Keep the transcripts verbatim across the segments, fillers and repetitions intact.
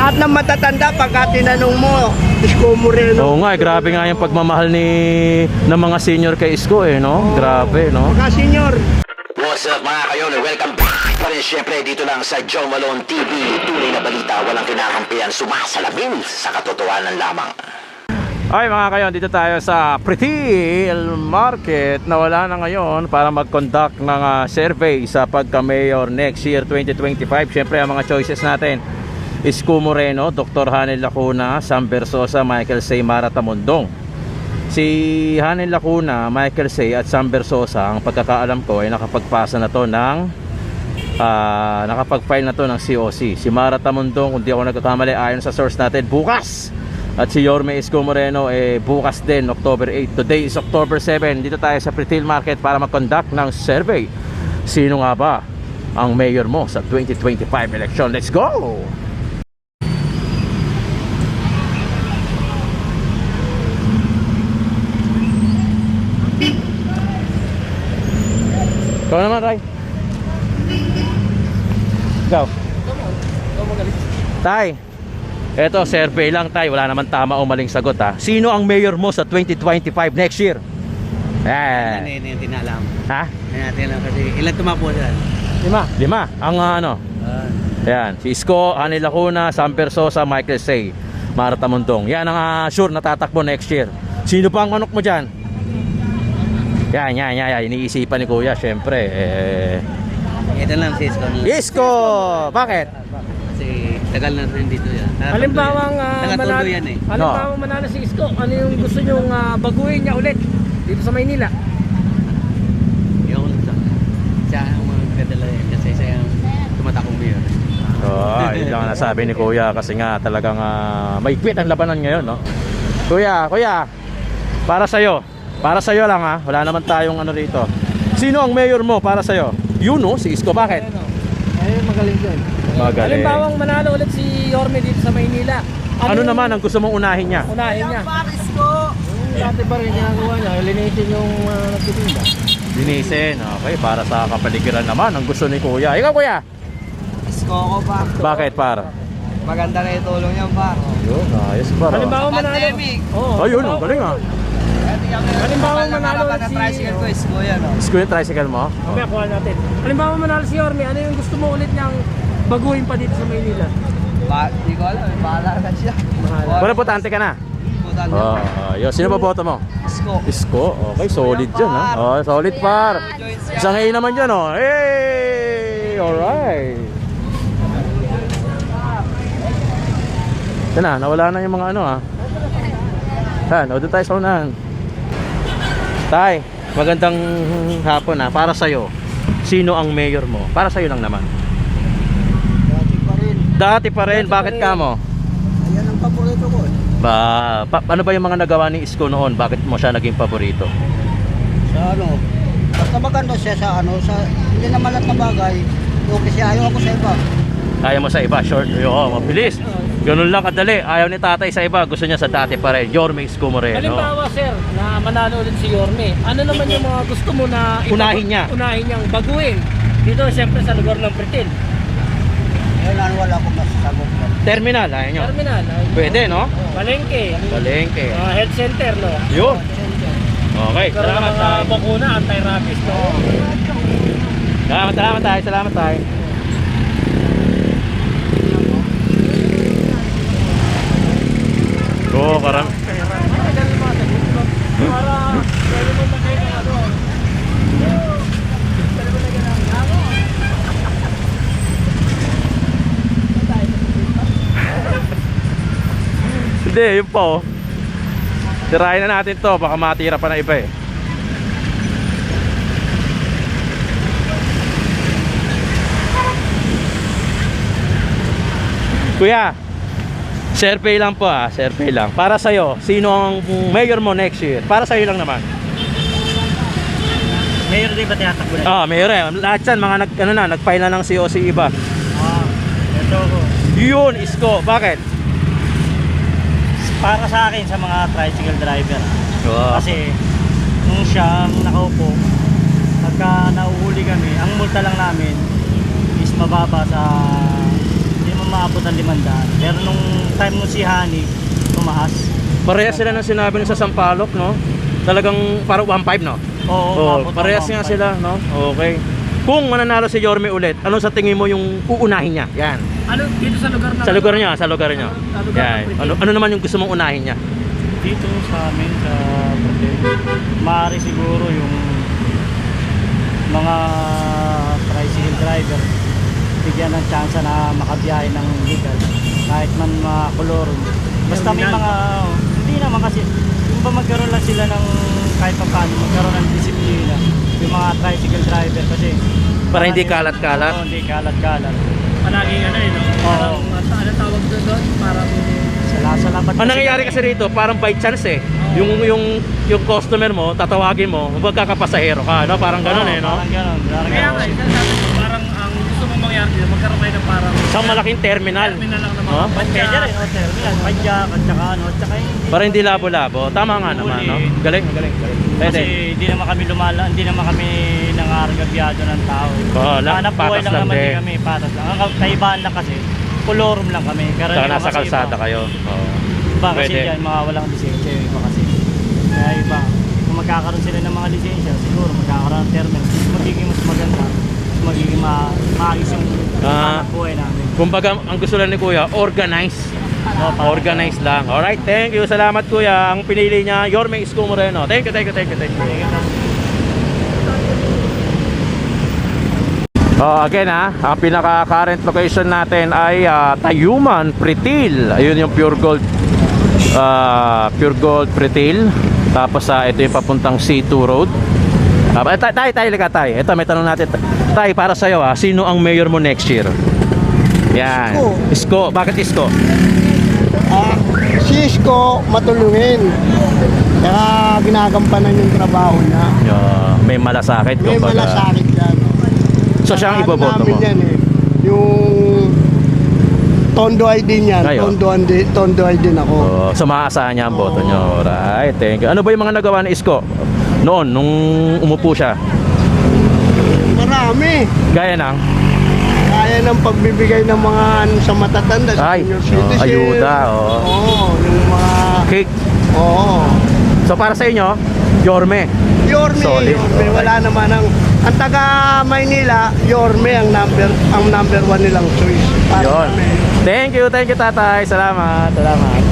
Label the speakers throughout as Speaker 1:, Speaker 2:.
Speaker 1: Lahat ng matatanda pagka tinanong mo, Isko Moreno.
Speaker 2: Oo nga, eh, grabe nga yung pagmamahal ni ng mga senior kay Isko eh, no? Grabe, no?
Speaker 1: Mga senior.
Speaker 3: What's up mga kayon? Welcome back pa rin syempre dito lang sa Joe Malone T V. Tunay na balita, walang kinakampihan, sumasalamin sa katotohanan lamang.
Speaker 2: Ay mga kayon, dito tayo sa Pretil Market na wala na ngayon para mag-conduct ng uh, survey sa pagka-mayor next year twenty twenty-five. Syempre ang mga choices natin, Isko Moreno, Doctor Hanel Lacuna, Sam Versosa, Michael Say, Mara Tamundong. Si Hanel Lacuna, Michael Say at Sam Versosa, ang pagkakaalam ko ay nakapagpasa na to ng uh, nakapag-file na to ng C O C. Si Mara Tamundong, kung di ako nagkakamali ayon sa source natin, bukas. At si Yorme Isko Moreno eh bukas din, October eight. Today is October seven. Dito tayo sa Pretil Market para mag-conduct ng survey. Sino nga ba ang mayor mo sa twenty twenty-five election? Let's go! Ikaw naman, Ray. Ikaw. Tay, eto survey lang tay, wala naman tama o maling sagot ha. Sino ang mayor mo sa twenty twenty-five next year?
Speaker 4: Ano
Speaker 2: Eh.
Speaker 4: yun yung tinalam?
Speaker 2: Ha?
Speaker 4: Ano natin lang kasi ilan tumapo dyan?
Speaker 2: Lima. Lima. Ang uh, ano?
Speaker 4: Uh,
Speaker 2: Ayan, si Isko, Hanel Lacuna, Sam Versosa, Michael Say, Mara Tamundong. Yan ang uh, sure na tatakbo next year. Sino pa ang manok mo dyan? Yan, yan, yan, yan. Iniisipan ni Kuya, syempre. Eh...
Speaker 4: ito lang si Isko.
Speaker 2: Isko! Bakit?
Speaker 4: Kasi tagal na rin dito yan.
Speaker 5: Halimbawang uh,
Speaker 4: Tagatuloy
Speaker 5: manalo,
Speaker 4: yan eh.
Speaker 5: halimbawang manalo si Isko, ano yung gusto nyong uh, baguhin niya ulit dito sa Maynila?
Speaker 4: Yung lang sa siya ang mga kadala yan kasi siya yung tumatakong mayor.
Speaker 2: Oh, yun lang ang nasabi ni Kuya kasi nga talagang uh, may quit ang labanan ngayon, no? Kuya, Kuya, para sa'yo. Para sa'yo lang ha, wala naman tayong ano rito. Sino ang mayor mo para sa'yo? Yun no, si Isko, bakit?
Speaker 5: Ay, magaling yun.
Speaker 2: Magaling.
Speaker 5: Halimbawang manalo ulit si Yorme dito sa Maynila.
Speaker 2: Ano
Speaker 5: yung
Speaker 2: naman ang gusto mong unahin niya?
Speaker 5: unahin niya? Yung dati pa rin ginagawa niya, linisin yung uh, nagtitinda.
Speaker 2: Linisin, okay, para sa kapaligiran naman ang gusto ni Kuya. Ikaw Kuya?
Speaker 4: Isko ko pa.
Speaker 2: Bakit par?
Speaker 4: Maganda na itulong yan pa.
Speaker 2: Yun, ayos par.
Speaker 5: Halimbawang manalo.
Speaker 4: Pandemic.
Speaker 5: Oo.
Speaker 2: Ayun, ang galing ah.
Speaker 5: Halimbawang manalo ulit si...
Speaker 4: tricycle ko, Isko yan.
Speaker 2: Isko yung tricycle mo?
Speaker 5: Mamaya kuha natin. Halimbawang manalo si Yorme, ano yung gusto mo ulit niyang baguhin pa dito sa Maynila?
Speaker 4: Ba, di ko alam, bahala na siya.
Speaker 2: Wala, potante ka na?
Speaker 4: Putan
Speaker 2: Oh, uh, yun. Sino ba boto mo?
Speaker 4: Isko.
Speaker 2: Isko, okay, solid dyan ha. Oh, solid par. Isang A naman dyan oh. Hey! Alright. Yan na, nawala na yung mga ano ha. Han, o doon tayo sa unahan. Tay, magandang hapon ha. Para sa'yo, sino ang mayor mo? Para sa'yo lang naman.
Speaker 4: Dati pa rin.
Speaker 2: Dati pa rin, bakit ka mo?
Speaker 4: Ayan ang paborito ko.
Speaker 2: Ba, pa, ano ba yung mga nagawa ni Isko noon? Bakit mo siya naging paborito?
Speaker 4: Sa ano, basta maganda siya sa ano, sa hindi naman lahat na bagay. Okay siya, ayaw ako sa iba.
Speaker 2: Ayaw mo sa iba, short, oo, mabilis. Ganun lang kadali. Ayaw ni tatay sa iba, gusto niya sa dati pa rin. Yorme Isko Moreno.
Speaker 5: Halimbawa sir, na manalo ulit si Yorme, ano naman yung mga gusto mo na ipa-
Speaker 2: Unahin niya.
Speaker 5: Unahin niyang baguhin dito siyempre sa lugar ng Pretil.
Speaker 4: Wala, wala akong masasagot.
Speaker 2: Terminal, ayaw nyo.
Speaker 5: Terminal, ay,
Speaker 2: Pwede, no?
Speaker 5: Palengke,
Speaker 2: Palengke.
Speaker 5: uh, health center, no?
Speaker 2: Yun. Okay,
Speaker 5: Pero
Speaker 2: salamat
Speaker 5: mga
Speaker 2: tayo.
Speaker 5: bakuna, anti-rabies, no?
Speaker 2: Salamat, salamat tayo, salamat tayo. Oo, karam.
Speaker 5: Para, pwede mo na kayo ng ano.
Speaker 2: Hindi, yun pa oh. Tirahin na natin to, baka matira pa na iba eh. Kuya, survey lang po ah, survey lang. Para sa'yo, sino ang mayor mo next year? Para sa'yo lang naman.
Speaker 4: Mayor din ba tinatakbo na?
Speaker 2: Ah, mayor eh. Lahat yan, mga nag, ano na, nag-file na ng C O C iba.
Speaker 4: Ah, ito ko.
Speaker 2: Yun, Isko. Bakit?
Speaker 4: Para sa akin, sa mga tricycle driver.
Speaker 2: Wow.
Speaker 4: Kasi, nung siya ang nakaupo, pagka nauhuli kami, ang multa lang namin is mababa sa, hindi mo maabot ng limandaan. Pero nung time mo si Hani, tumaas.
Speaker 2: Parehas sila ng sinabi nung sa Sampaloc, no? Talagang parang one five, no?
Speaker 4: Oo,
Speaker 2: Oh,
Speaker 4: umabot ng
Speaker 2: parehas nga
Speaker 4: one five.
Speaker 2: sila, no? Okay. Kung mananalo si Yorme ulit, ano sa tingin mo yung uunahin niya? Yan.
Speaker 5: Ano dito sa lugar na
Speaker 2: Sa lugar niya, sa lugar niya.
Speaker 5: Sa lugar
Speaker 2: Yan.
Speaker 5: ng Pritil.
Speaker 2: Ano, ano naman yung gusto mong unahin niya?
Speaker 4: Dito sa amin, sa Pritil, maaari siguro yung mga tricycle driver bigyan ng chance na makabiyahe ng legal kahit man makulorum. Basta may
Speaker 5: Legal.
Speaker 4: mga, oh, hindi naman kasi, yung ba magkaroon lang sila ng kahit pa paano, magkaroon ng disiplina yung mga tricycle driver kasi
Speaker 2: Para hindi
Speaker 4: marami-
Speaker 2: kalat-kalat?
Speaker 4: Oo, hindi kalat-kalat.
Speaker 5: Palaging ano eh, no? Parang,
Speaker 4: Oo.
Speaker 5: ano ano tawag doon doon? Parang,
Speaker 4: Sa sa labat
Speaker 2: Ang nangyayari kasi rito, parang by chance eh. Yung yung yung customer mo, tatawagin mo, magkakapasahero ka, no? Parang gano'n eh, no?
Speaker 4: Parang gano'n. Parang
Speaker 5: kaya nga,
Speaker 4: gano'n.
Speaker 5: isa sabi ko, parang ang gusto mong mangyari dito, magkaroon kayo ng parang
Speaker 2: Sa malaking terminal.
Speaker 5: terminal lang ng mga
Speaker 2: No?
Speaker 5: padya.
Speaker 4: Pwede rin, o terminal, padyak, at saka ano, at saka hindi.
Speaker 2: Para hindi labo-labo. Tama nga naman, no? Galing, galing, galing. Pwede.
Speaker 4: Kasi hindi naman kami lumala, hindi naman kami nangargabyado ng tao.
Speaker 2: Oo, lang,
Speaker 4: Hanap buhay
Speaker 2: patas
Speaker 4: lang
Speaker 2: lang
Speaker 4: naman
Speaker 2: din.
Speaker 4: din kami, patas lang. Ang kaibahan lang kasi, kolorum lang kami.
Speaker 2: Saka
Speaker 4: Karaniwan
Speaker 2: nasa
Speaker 4: kasi
Speaker 2: kalsada
Speaker 4: iba.
Speaker 2: kayo. Oo.
Speaker 4: Iba kasi
Speaker 2: Pwede.
Speaker 4: dyan, mga walang lisensya yung iba kasi. Kaya iba, kung magkakaroon sila ng mga lisensya, siguro magkakaroon ng terminal, mas magiging mas maganda, mas magiging ma maayos yung
Speaker 2: Ah.
Speaker 4: hanap buhay namin.
Speaker 2: Kumbaga, ang gusto lang ni Kuya, organize.
Speaker 4: Oo, parang-
Speaker 2: Organize lang. Alright, thank you. Salamat Kuya. Ang pinili niya, Yorme Isko Moreno. Thank you, thank you, thank you, thank you. Oh, again ha, ang pinaka current location natin ay ah, Tayuman, Pritil. Ayun yung Pure Gold ah, Pure Gold Pritil. Tapos sa ito yung papuntang C two Road. Ah, tay, tay, tay, lika, tay. Ito may tanong natin. Tay, para sa iyo ah, sino ang mayor mo next year? Yan. Isko. Bakit Isko?
Speaker 1: Ah, si Isko matulungin. Kaya ginagampanan yung trabaho niya.
Speaker 2: Yeah, may malasakit
Speaker 1: May
Speaker 2: kumbaga.
Speaker 1: malasakit yan.
Speaker 2: So siya ang
Speaker 1: Ano
Speaker 2: iboboto
Speaker 1: namin
Speaker 2: mo.
Speaker 1: yan eh. Yung Tondo I D niyan.
Speaker 2: Kayo?
Speaker 1: Tondo I D, Tondo I D ako.
Speaker 2: Oh, so maaasahan niya ang boto niyo. Alright, thank you. Ano ba yung mga nagawa ni Isko noon nung umupo siya?
Speaker 1: Marami.
Speaker 2: Gaya ng
Speaker 1: Kaya ng pagbibigay ng mga ano, sa matatanda, sa
Speaker 2: Ay,
Speaker 1: senior
Speaker 2: oh,
Speaker 1: citizen.
Speaker 2: ayuda, oh.
Speaker 1: Oo, yung mga...
Speaker 2: cake.
Speaker 1: Oo.
Speaker 2: So para sa inyo, Yorme.
Speaker 1: Yorme,
Speaker 2: Solid.
Speaker 1: Yorme. Wala naman ang... Ang taga Maynila, Yorme ang number ang number one nilang choice. Para
Speaker 2: Yon.
Speaker 1: kami.
Speaker 2: Thank you, thank you tatay. Salamat, salamat.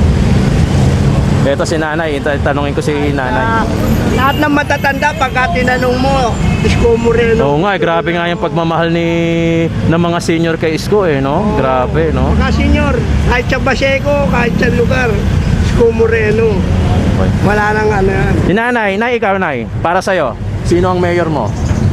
Speaker 2: Ito si nanay, Ita- tanungin ko si
Speaker 1: Ah,
Speaker 2: nanay.
Speaker 1: lahat ng matatanda, pagka tinanong mo, Isko Moreno.
Speaker 2: Oo nga, eh, grabe nga yung pagmamahal ni ng mga senior kay Isko eh, no? Grabe, no?
Speaker 1: Mga senior, kahit sa Baseco, kahit sa lugar, Isko Moreno. Wala nang ano yan.
Speaker 2: Si nanay, nay, ikaw nay, para sa'yo, sino ang mayor mo?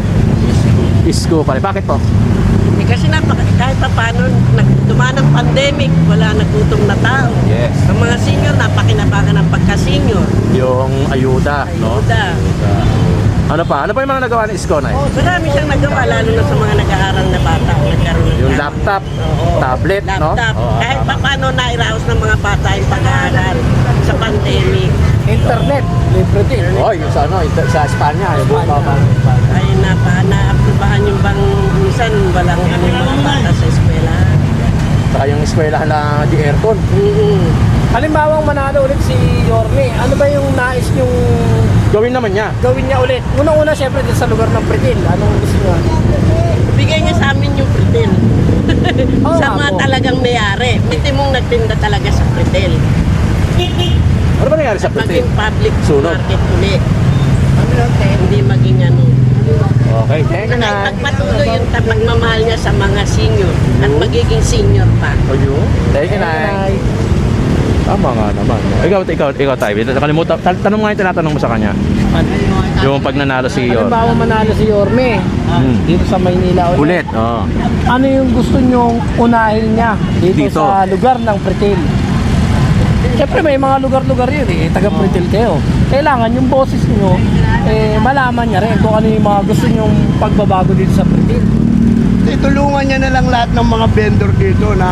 Speaker 2: Isko pala. Bakit po?
Speaker 6: Eh, kasi napaka, kahit pa paano, nag, dumaan ang pandemic, wala nagutom na tao.
Speaker 2: Yes.
Speaker 6: Ang mga senior, napakinabangan ng pagka-senior.
Speaker 2: Yung ayuda, no?
Speaker 6: Ayuda.
Speaker 2: Ano pa? Ano pa yung mga nagawa ni Isko, nay?
Speaker 6: Oh, marami siyang nagawa, lalo na sa mga nag-aaral na bata. Nagkaroon ng
Speaker 2: Yung
Speaker 6: gamit.
Speaker 2: laptop,
Speaker 6: Oo.
Speaker 2: tablet, no?
Speaker 6: Laptop.
Speaker 2: Oo,
Speaker 6: Kahit
Speaker 2: tama.
Speaker 6: pa paano nairaos ng mga bata yung pag-aaral sa pandemic.
Speaker 1: Internet, libre din.
Speaker 2: Oh, yung sa ano, ito- sa Espanya, yung buong
Speaker 6: Ay, napa, naaprubahan yung bang minsan walang ano yung mga bata sa eskwela.
Speaker 2: Saka yung eskwelahan na di aircon.
Speaker 6: Mm-hmm.
Speaker 5: Halimbawa manalo ulit si Yorme, ano ba yung nais yung
Speaker 2: Gawin naman niya.
Speaker 5: gawin niya ulit? Unang-una syempre din sa lugar ng Pritil, anong gusto niya?
Speaker 6: Bigay niya sa amin yung Pritil.
Speaker 5: Oo,
Speaker 6: sa mga
Speaker 5: ako.
Speaker 6: talagang may-ari. Hindi mong nagtinda talaga sa Pritil.
Speaker 2: Ano ba nangyari sa Pritil?
Speaker 6: Maging public
Speaker 2: Sunod.
Speaker 6: market ulit. Hindi maging ano.
Speaker 2: Okay, thank you, nay.
Speaker 6: Pagpatuloy yung ta- pagmamahal niya sa mga senior at magiging senior pa.
Speaker 2: Oh, you? Thank you, nay. Tama nga naman. no? Ikaw, ikaw, ikaw tayo. Nakalimutan. Tan- Tanong nga yung tinatanong mo sa kanya. Yung pag nanalo si Yor.
Speaker 5: Halimbawa manalo si Yorme
Speaker 2: Hmm.
Speaker 5: dito sa Maynila ulit.
Speaker 2: Ulit. Oh.
Speaker 5: Ano yung gusto nyong unahin niya dito,
Speaker 2: Dito.
Speaker 5: sa lugar ng Pritil? Siyempre may mga lugar-lugar yun eh, taga Pritil kayo. Kailangan yung boses nyo, eh, malaman niya rin kung ano yung mga gusto nyong pagbabago dito sa Pritil.
Speaker 1: Itulungan niya na lang lahat ng mga vendor dito na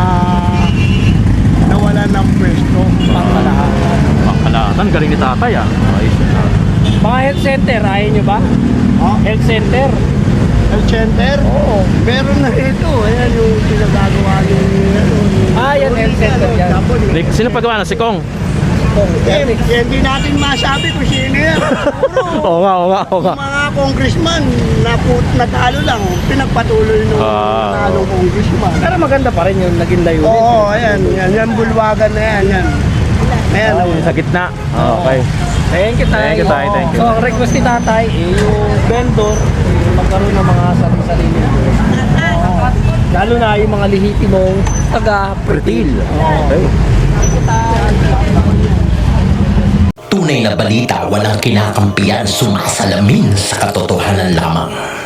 Speaker 1: nawalan ng pwesto.
Speaker 5: Pangkalahan.
Speaker 2: Pangkalatan. Galing ni tatay ah. Ayos yun, ah.
Speaker 5: Mga health center, ayaw nyo ba?
Speaker 1: Oh,
Speaker 5: Health center?
Speaker 1: health center?
Speaker 5: Oo.
Speaker 1: Meron na ito. Ayan yung pinagagawa ni ano, ni
Speaker 5: yan, health center yan.
Speaker 2: Ni- Sino pagawa na? Si Kong?
Speaker 1: Eh, hindi natin masabi kung sino yan. Siguro,
Speaker 2: Oo nga, oo nga, oo nga.
Speaker 1: mga congressman na natalo lang, pinagpatuloy nung
Speaker 2: Ah.
Speaker 1: natalong congressman.
Speaker 5: Pero maganda pa rin yung naging layunin.
Speaker 1: Oo, ayan, yan, yan, bulwagan na yan, yan. Ayan,
Speaker 2: Oh, yung sa gitna. Okay.
Speaker 5: Thank you, Tay.
Speaker 2: Thank you, Tay. Thank you.
Speaker 5: So, ang request ni Tatay, eh, yung vendor, eh, magkaroon ng mga sarili-sarili. Oo. Lalo na yung mga lehitimong taga-pretil.
Speaker 2: Okay.
Speaker 3: Tunay na balita, walang kinakampiyan, sumasalamin sa katotohanan lamang.